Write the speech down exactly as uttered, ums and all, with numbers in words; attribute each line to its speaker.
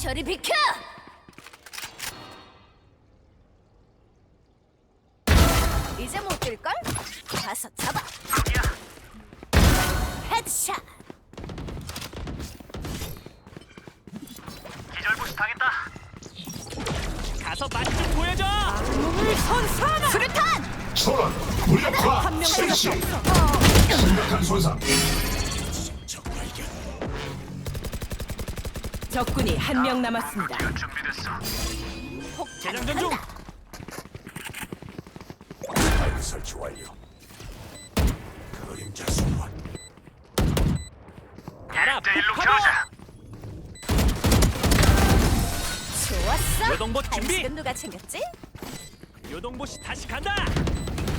Speaker 1: 저리 비켜! 이제 못 뛸걸? 가서 잡아! 헤드샷!
Speaker 2: 기절부시 당했다.
Speaker 3: 가서 맛 좀 보여줘.
Speaker 1: 몸을 선사하라! 수류탄!
Speaker 4: 초론 무력화
Speaker 1: 한명
Speaker 4: 실시
Speaker 1: 살렸어!
Speaker 4: 심각한 손상.
Speaker 5: 적군이 한 명 남았습니다.
Speaker 2: 준비됐어.
Speaker 1: 폭탄
Speaker 3: 재장전 중.
Speaker 1: 간다!
Speaker 4: 파이프 설치 완료. 그림자 소환.
Speaker 3: 가라
Speaker 2: 대 일로
Speaker 3: 폭파로.
Speaker 2: 겨우자.
Speaker 1: 좋았어!
Speaker 3: 요동봇 준비!
Speaker 1: 간식은 누가 챙겼지?
Speaker 3: 요동보시 다시 간다.